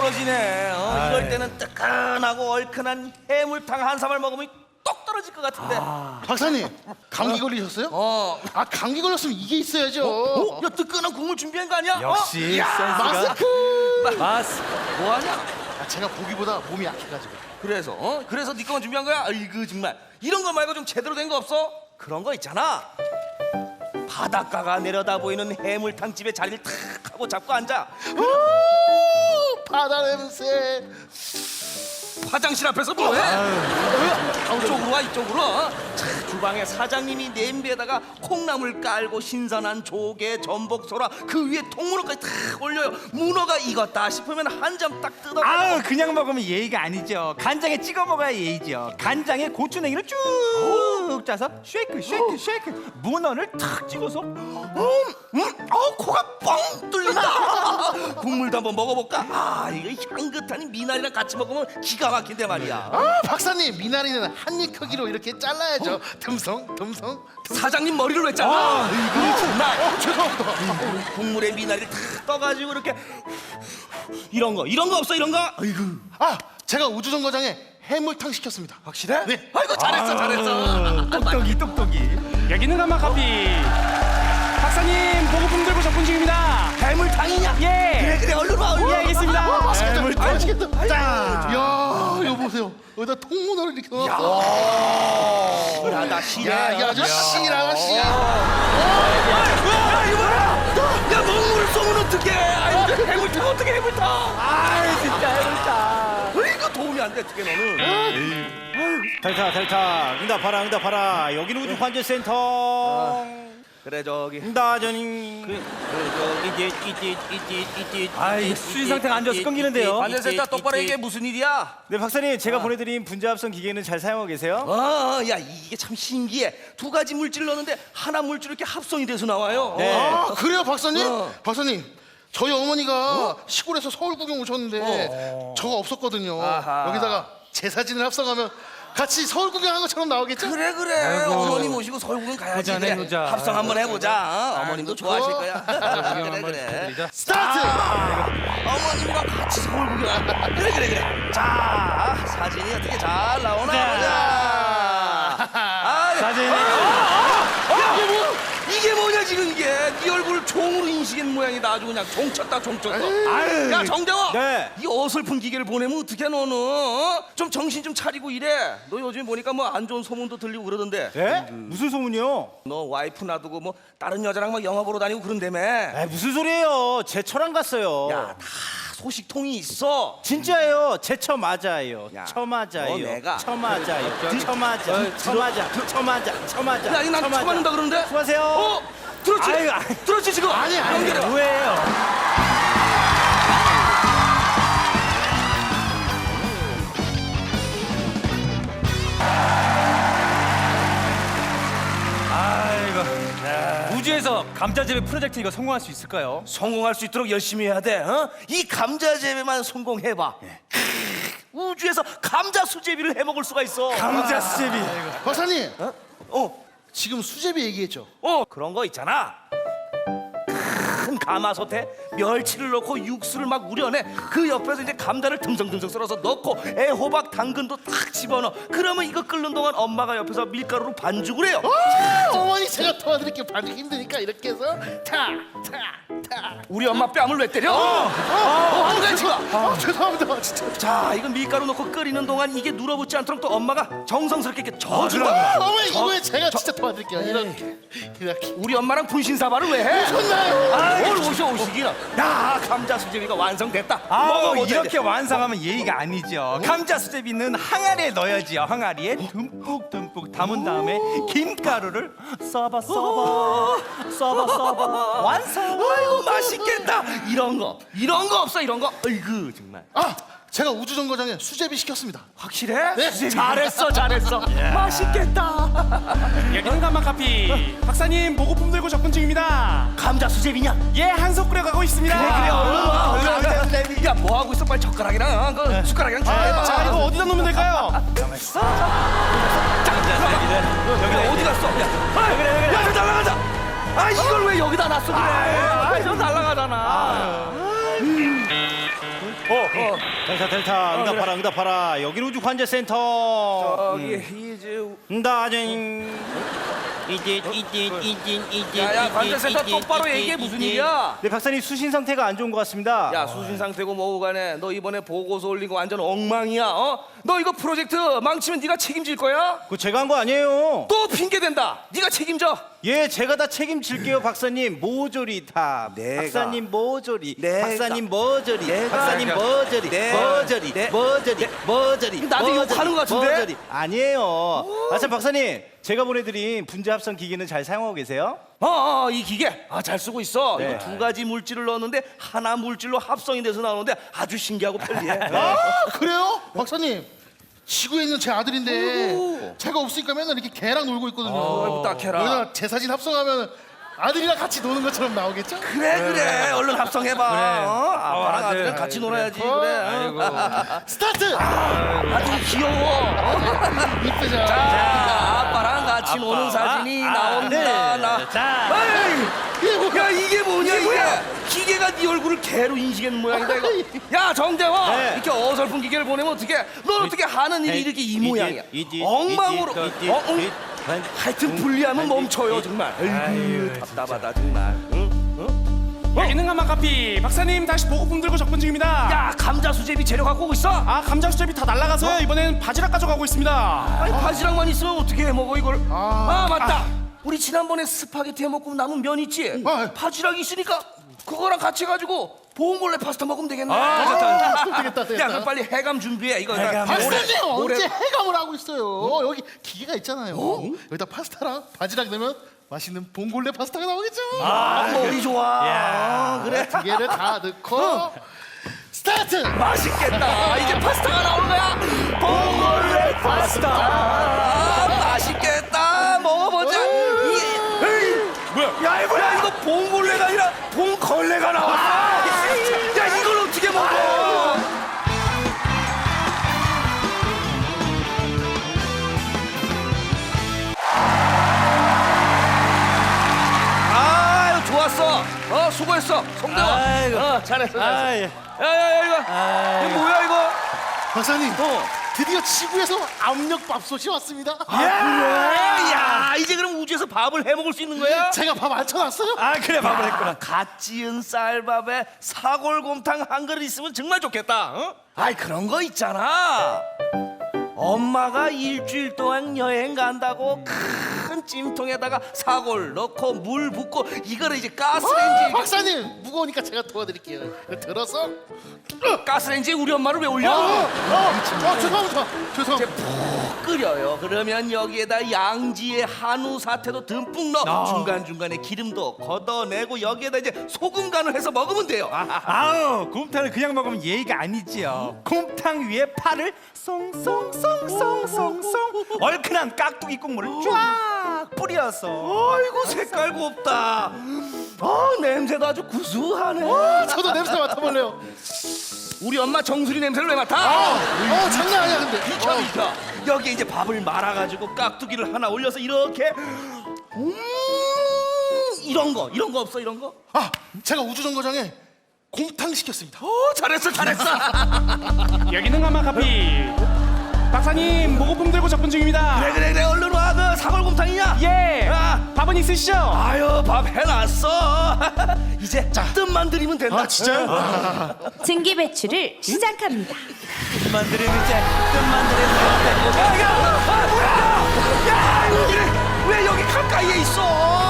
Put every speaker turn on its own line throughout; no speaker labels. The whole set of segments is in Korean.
떨어지네. 이럴 때는 뜨끈하고 얼큰한 해물탕 한 사발 먹으면 똑 떨어질 것 같은데.
박사님, 감기 걸리셨어요? 아, 감기 걸렸으면 이게 있어야죠.
야, 뜨끈한 국물 준비한 거 아니야?
역시 센스가.
마스크.
뭐하냐?
아, 제가 보기보다 몸이 약해가지고.
그래서 그래서 네 거만 준비한 거야? 아이고 정말 이런 거 말고 좀 제대로 된 거 없어? 그런 거 있잖아. 바닷가가 내려다 보이는 해물탕 집에 자리를 탁 하고 잡고 앉아.
바다 냄새.
화장실 앞에서 뭐해? 이쪽으로 와, 이쪽으로. 자, 주방에 사장님이 냄비에다가 콩나물 깔고 신선한 조개, 전복, 소라 그 위에 통문어까지 탁 올려요. 문어가 익었다 싶으면 한 점 딱 뜯어.
아유, 그냥 먹으면 예의가 아니죠. 간장에 찍어 먹어야 예의죠. 간장에 고추냉이를 쭉 짜서 쉐이크 쉐이크 쉐이크. 문어를 탁 찍어서
코가 뻥 뚫린다. 국물도 한번 먹어볼까? 아, 이거 향긋한 미나리랑 같이 먹으면 기가 막힌데 말이야.
아, 박사님, 미나리는 한 입 크기로 이렇게 잘라야죠. 듬성.
사장님 머리를 왜 잘라? 정말.
죄송합니다.
국물에 미나리를 탁 떠가지고 이렇게 이런 거 없어, 이런 거? 아이고.
아, 제가 우주정거장에 해물탕 시켰습니다.
확실해?
네.
아이고 잘했어.
똑똑이.
여기는 가마카피. 박사님 보고품 들고 접근 중입니다.
해물탕이냐?
예.
그래 얼른 와.
예, 알겠습니다.
맛있겠다. 짠. 야, 이거 보세요. 여기다 통문어를 이렇게 넣어.
실하다, 실해.
야, 이 아주 실하다, 실.
야, 이거 뭐야? 야, 먹물을 쏘면 어떡해? 아이고, 해물탕 어떡해, 해물탕?
아이, 진짜 해물탕.
이거 도움이 안 돼, 어떡해 너는?
델타 응답하라 여기는 우주환자센터.
그래 저기
응다전이
아이, 수위 상태가 안 좋아서 끊기는데요.
환자센터 똑바로 얘기해. 무슨 일이야?
네, 박사님, 제가 보내드린 분자합성 기계는 잘 사용하고 계세요?
야 이게 참 신기해. 두 가지 물질을 넣는데 하나 물질 이렇게 합성이 돼서 나와요.
네.
아, 그래요, 박사님? 박사님, 저희 어머니가 시골에서 서울 구경 오셨는데 저가 없었거든요.
아하.
여기다가 제 사진을 합성하면 같이 서울 구경한 것처럼 나오겠죠?
그래. 어머니 모시고 서울 구경 가야지.
보자네,
그래.
보자.
합성 한번 해보자. 어머님도 좋아하실 거야. 그래.
스타트!
어머님과 같이 서울 구경. 그래. 자, 사진이 어떻게 잘 나오나 보자.
사진이.
이게 뭐냐 지금 이게? 네 얼굴 종으로 인식한 모양이다. 아주 그냥 종 쳤다.
아유.
야 정대원.
네.
이 어설픈 기계를 보내면 어떡해 너는? 좀 정신 좀 차리고 이래. 너 요즘 보니까 뭐 안 좋은 소문도 들리고 그러던데.
네? 무슨 소문이요?
너 와이프 놔두고 뭐 다른 여자랑 막 영화 보러 다니고 그런다며.
아, 무슨 소리예요? 제 처랑 갔어요.
야, 다 소식통이 있어.
진짜예요. 제 처 맞아요.
야,
처 맞아요.
너 내가.
처 맞아요. 처 맞아.
야, 이거 난 처 맞는다 그러는데.
수고하세요.
들었지?
아유,
들었지 지금?
아니.
연결해.
뭐예요? 아이고. 우주에서 감자재배 프로젝트 이거 성공할 수 있을까요?
성공할 수 있도록 열심히 해야 돼. 이 감자 재배만 성공해봐. 우주에서 감자 수제비를 해먹을 수가 있어.
감자 수제비.
박사님, 지금 수제비 얘기했죠?
그런 거 있잖아. 큰 가마솥에 멸치를 넣고 육수를 막 우려내. 그 옆에서 이제 감자를 듬성듬성 썰어서 넣고 애호박, 당근도 탁 집어넣어. 그러면 이거 끓는 동안 엄마가 옆에서 밀가루로 반죽을 해요.
어머니, 제가 도와드릴게요. 반죽 힘드니까 이렇게 해서 타.
우리 엄마 뺨을 왜 때려? 한가해 지금.
죄송합니다, 진짜.
자, 이거 밀가루 넣고 끓이는 동안 이게 눌어붙지 않도록 또 엄마가 정성스럽게 이렇게 저어준다.
어머니, 이거에 제가 진짜 도와드릴게요. 이렇게.
우리 엄마랑 분신사발을 왜 해?
좋나요?
뭘 오시기는. 야, 감자 수제비가 완성됐다.
아우,
먹어보자,
이렇게
이제.
완성하면 예의가 아니죠. 감자 수제비는 항아리에 넣어야지요. 항아리에 듬뿍 담은 다음에 김가루를 써봐 완성.
아이고 맛있겠다. 이런 거 없어 이런 거. 아이고 정말.
아, 제가 우주정거장에 수제비 시켰습니다.
확실해?
네.
잘했어. 맛있겠다.
여기는 가마카피. 박사님 보고품 들고 접근 중입니다.
감자 수제비냐?
예, 한솥 끓여가고 있습니다.
그래 얼른 와. 야, 뭐 하고 있어? 빨리 젓가락이랑 그 숟가락이랑 잘
자, 이거 어디다 놓으면 될까요?
여기 어디 갔어? 야, 저 날아가자. 아, 이걸 왜 여기다 놨어 그래? 저 날아가잖아.
델타 응답하라 여기는 우주 환자센터.
저기 이제
나진
야야 관제센터 똑바로 얘기해. 무슨 일이야?
네 박사님 수신 상태가 안 좋은 것 같습니다.
야 수신 상태고 뭐고 간에 너 이번에 보고서 올린 거 완전 엉망이야. 너 이거 프로젝트 망치면 네가 책임질 거야?
그거 제가 한 거 아니에요.
또 핑계 댄다. 네가 책임져.
예, 제가 다 책임질게요, 박사님. 모조리 다.
내가.
박사님 모조리.
내가.
박사님 모조리.
내가.
박사님 모조리.
내가.
모조리.
내-
모조리. 모조리.
나도
모조리.
욕하는 것 같은데?
모조리. 아니에요. 참 박사님, 제가 보내드린 분자 합성 기기는 잘 사용하고 계세요?
이 기계 잘 쓰고 있어.
네.
이거 두 가지 물질을 넣었는데 하나 물질로 합성이 돼서 나오는데 아주 신기하고 편리해.
그래요? 박사님, 지구에 있는 제 아들인데 제가 없으니까 맨날 이렇게 걔랑 놀고 있거든요.
딱해라.
여기다 제 사진 합성하면 아들이랑 같이 노는 것처럼 나오겠죠?
그래 얼른 합성해봐. 아빠랑 아들이랑 같이 놀아야지. 그래.
스타트!
아주 귀여워.
이쁘죠?
자, 아빠랑 같이 노는 사진이 나온다.
자,
야 이게 뭐냐 이게? 기계가 네 얼굴을 개로 인식하는 모양이다 이거. 야 정재화,
네.
이렇게 어설픈 기계를 보내면 어떻게? 넌 어떻게 하는 일이 이렇게 이 모양이야? 엉망으로. 하여튼 불리하면 멈춰요 정말. 아이고 답답하다 정말.
여기는 가마카피. 박사님 다시 보고품 들고 접근 중입니다.
야 감자 수제비 재료 갖고 오고 있어?
감자 수제비 다 날라가서요. 이번엔 바지락 가져가고 있습니다.
아니 바지락만 있으면 어떻게 해 먹어 이걸? 맞다. 우리 지난번에 스파게티 해 먹고 남은 면 있지? 바지락이 있으니까 그거랑 같이 해가지고 보온골레 파스타 먹으면 되겠네.
되겠다.
야 그럼 빨리 해감 준비해. 이거
박사님,
올해-
언제 해감을 하고 있어요? 여기 기계가 있잖아요. 여기다 파스타랑 바지락 넣으면 맛있는 봉골레 파스타가 나오겠죠?
머리 좋아. 그래.
두 개를 다 넣고 스타트!
맛있겠다. 이제 파스타가 나오는 거야. 봉골레 파스타. 맛있겠다. 먹어보자. 뭐야? 야 이거 봉골레가 아니라 봉걸레가 나왔어. 야 이걸 어떻게 먹어? 아유 좋았어. 수고했어. 송대원. 잘했어. 야야야 이거 뭐야 이거?
박사님, 드디어 지구에서 압력밥솥이 왔습니다.
그래? 야 이제 그럼 우주에서 밥을 해 먹을 수 있는 거야?
제가 밥 안 쳐놨어요?
그래 밥을 했구나. 갓 지은 쌀밥에 사골곰탕 한 그릇 있으면 정말 좋겠다. 아이 그런 거 있잖아. 엄마가 일주일 동안 여행 간다고 큰 찜통에다가 사골 넣고 물 붓고 이거를 이제 가스레인지
박사님, 무거우니까 제가 도와드릴게요. 이거 들어서
가스레인지에 우리 엄마를 왜 올려?
죄송합니다.
끓여요. 그러면 여기에다 양지의 한우 사태도 듬뿍 넣어 중간중간에 기름도 걷어내고 여기에다 이제 소금 간을 해서 먹으면 돼요.
아우 곰탕을 그냥 먹으면 예의가 아니지요. 곰탕 위에 파를 송송송송송송 얼큰한 깍두기 국물을 쫙 뿌려서.
아이고 색깔 곱다. 냄새도 아주 구수하네.
저도 냄새 맡아볼래요.
우리 엄마 정수리 냄새를 왜 맡아?
장난 아니야 근데.
비켜. 여기에 이제 밥을 말아가지고 깍두기를 하나 올려서 이렇게 이런 거 없어 이런 거?
제가 우주정거장에 곰탕 시켰습니다.
잘했어.
여기는 가마카피. 박사님 보고품 들고 접근 중입니다.
그래 얼른 와. 그 사골곰탕이냐?
예. 밥은 있으시죠?
아유 밥 해놨어. 이제 뜸만 들이면 된다.
진짜요?
증기 배출을 시작합니다.
끝만 들이면 이제 끝만 들이면
야 왜 여기 가까이에 있어?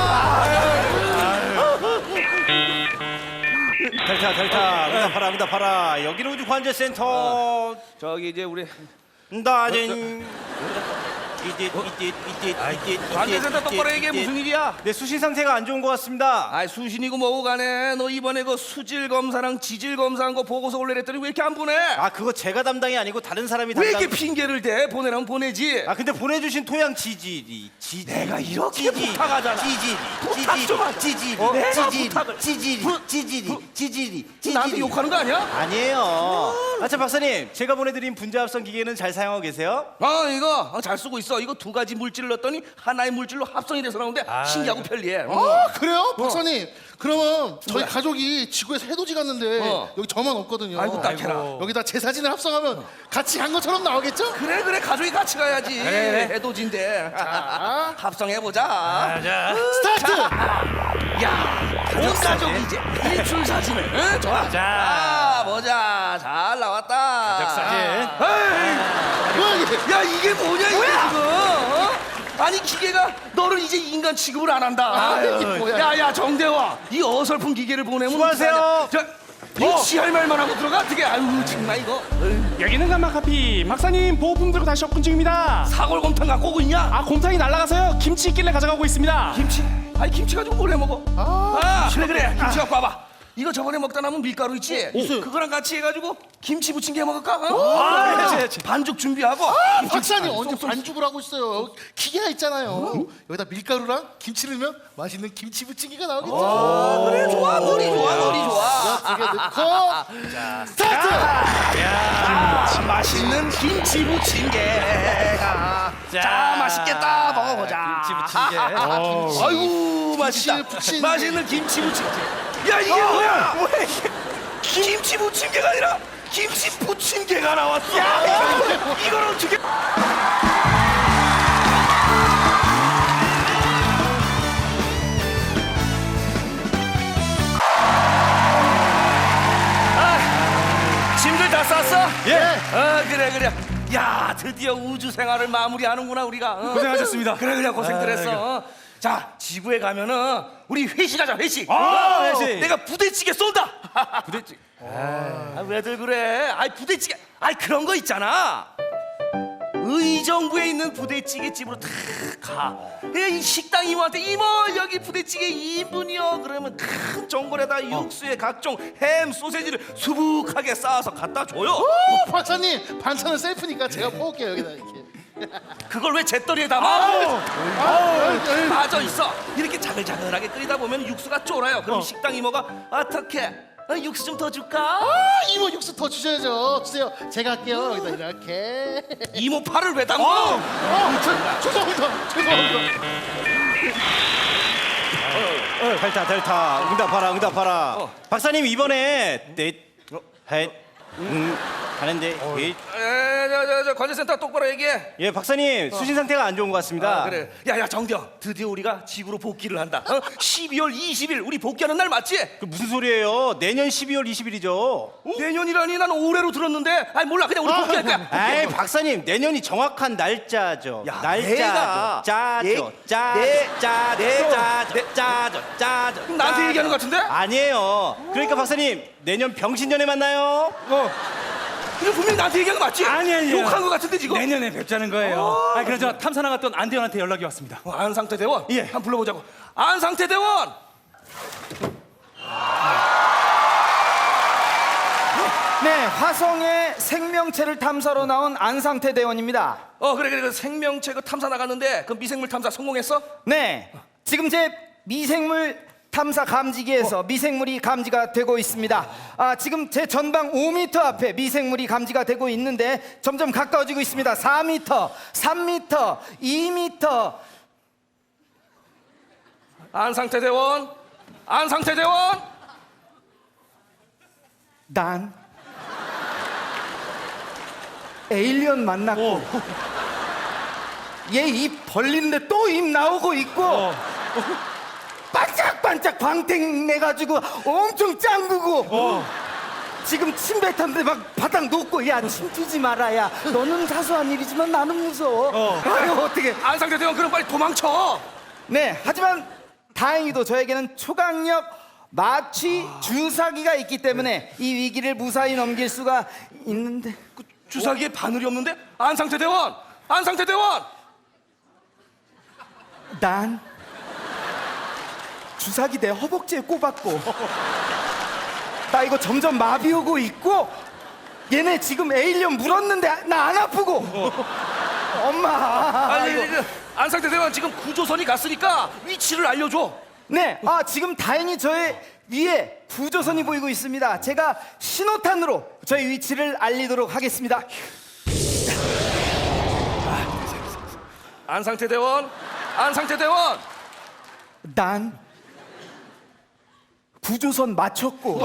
델타 응답하라 여기는 우주 환자센터.
저기 이제 우리
나진
관계센터 똑바로 얘기해. 무슨 일이야?
네 수신 상태가 안 좋은 것 같습니다.
아이 수신이고 뭐고 간에 너 이번에 그 수질 검사랑 지질 검사한 거 보고서 올려냈더니 왜 이렇게 안 보내?
그거 제가 담당이 아니고 다른 사람이
왜
담당.
이렇게 핑계를 대? 보내라면 보내지.
근데 보내주신 토양 지질이
내가 이렇게 부탁하잖아. 부탁 좀 하자. 내가 부탁을.
지질이
나한테 욕하는 거 아니야?
아니에요. 참 박사님, 제가 보내드린 분자 합성 기계는 잘 사용하고 계세요?
이거 잘 쓰고 있어. 있어. 이거 두 가지 물질을 넣었더니 하나의 물질로 합성이 돼서 나오는데 신기하고 편리해.
그래요? 박사님 그러면 저희 가족이 지구에서 해돋이 갔는데 여기 저만 없거든요.
아이고, 딱해라.
여기다 제 사진을 합성하면 같이 간 것처럼 나오겠죠?
그래 가족이 같이 가야지. 해돋인데. 자, 합성해보자.
스타트!
야, 온 가족이 이제 일출 사진을. 응? 좋아. 자, 보자. 잘 나왔다. 가족
사진.
뭐야 이게?
야, 이게 뭐냐 이게 지금? 어? 아니 기계가 너를 이제 인간 취급을 안 한다.
이게 뭐야?
야야 정대화, 이 어설픈 기계를 보내면
수고하세요.
이거 지할 말만 하고 들어가 어떻게? 아유 정말 이거
여기는 감마카피. 박사님 보호품 들고 다시 접근 중입니다.
사골곰탕 갖고 오고 있냐?
아, 곰탕이 날아가서요. 김치 있길래 가져가고 있습니다.
김치? 아니 김치 가지고 뭘 해 먹어? 그래 김치 갖고 와봐. 이거 저번에 먹다 남은 밀가루 있지? 그거랑 같이 해가지고 김치 부침개 해 먹을까? 어? 그렇지. 반죽 준비하고.
박사님 언제 반죽을 하고 있어요? 기계가 있잖아요. 여기다 밀가루랑 김치 넣으면 맛있는 김치 부침개가 나오겠죠?
그래 좋아 머리 좋아.
두개 넣고 스타트!
맛있는 김치 부침개가 자 맛있겠다 먹어보자.
김치 부침개.
아이고 맛있다.
부침개.
맛있는 김치 부침개. 야 이게 뭐야? 김치 부침개가 아니라 김치 부침개가 나왔어. 이걸 어떻게? 짐들 다 쌌어?
예.
그래. 야 드디어 우주 생활을 마무리하는구나 우리가.
고생하셨습니다.
그래 고생들 했어. 자 지구에 가면은 우리 회식하자 회식.
회식.
내가 부대찌개 쏜다. 부대찌개. 왜들 그래? 아이 부대찌개. 아이 그런 거 있잖아. 의정부에 있는 부대찌개 집으로 탁 가. 이 식당 이모한테 이모 여기 부대찌개 2인분이요. 그러면 큰 전골에다 육수에 각종 햄 소세지를 수북하게 쌓아서 갖다 줘요.
오, 박사님 반찬은 셀프니까 제가 퍼올게요 여기다 이렇게.
그걸 왜 잿더리에 담아? 빠져 있어. 이렇게 자글자글하게 끓이다 보면 육수가 쫄아요. 그럼 식당 이모가 어떻게? 육수 좀 더 줄까?
이모 육수 더 주셔야죠. 주세요. 제가 할게요. 여기다 이렇게.
이모 팔을 왜 담궈?
죄송합니다.
델타 응답하라. 박사님 이번에 하는데
저 관제센터 똑바로 얘기해.
예 박사님 수신 상태가 안 좋은 것 같습니다.
그래. 야야 정대영, 드디어 우리가 지구로 복귀를 한다. 12월 20일 우리 복귀하는 날 맞지?
그 무슨 소리예요? 내년 12월 20일이죠.
내년이라니 난 올해로 들었는데. 아니 몰라 그냥 우리 복귀할 거야.
아이 박사님 내년이 정확한 날짜죠.
야,
날짜죠.
내가.
짜죠. 짜죠.
나한테 얘기하는 것 같은데?
아니에요. 그러니까 박사님 내년 병신년에 만나요.
이거 분명히 나한테 얘기한 거 맞지?
아니에요.
욕한 거 같은데 지금?
내년에 뵙자는 거예요. 아, 그래서 탐사 나갔던 안대원한테 연락이 왔습니다.
안상태 대원?
예.
한번 불러보자고. 안상태 대원!
네, 화성의 생명체를 탐사로 나온 안상태 대원입니다.
그래 생명체 그 탐사 나갔는데 그 미생물 탐사 성공했어?
네, 지금 제 미생물 탐사 감지기에서 미생물이 감지가 되고 있습니다. 지금 제 전방 5m 앞에 미생물이 감지가 되고 있는데 점점 가까워지고 있습니다. 4m, 3m, 2m.
안상태 대원?
난 에일리언 만났고 얘 입 벌리는데 또 입 나오고 있고 반짝반짝 광택 내가지고 엄청 짱구고 지금 침 뱉었는데 막 바닥 놓고 야 침 튀지 마라 야 너는 사소한 일이지만 나는 무서워. 아유 어떻게.
안상태 대원 그럼 빨리 도망쳐.
네, 하지만 다행히도 저에게는 초강력 마취 주사기가 있기 때문에 이 위기를 무사히 넘길 수가 있는데.
그 주사기에 바늘이 없는데? 안상태 대원!
난 주사기 내 허벅지에 꼽았고 나 이거 점점 마비 오고 있고 얘네 지금 에일리언 물었는데 나 안 아프고 엄마.
아니
이거.
안상태 대원 지금 구조선이 갔으니까 위치를 알려줘.
네, 지금 다행히 저의 위에 구조선이 보이고 있습니다. 제가 신호탄으로 저의 위치를 알리도록 하겠습니다.
안상태 대원, 안상태 대원.
난 구조선 마쳤고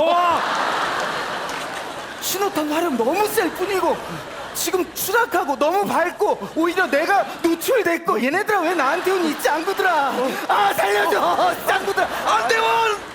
신호탄 화력 너무 셀 뿐이고 지금 추락하고 너무 밝고 오히려 내가 노출됐고 얘네들아 왜 나한테 온 있지 않구들아. 아 살려줘 짱구들아.
안대원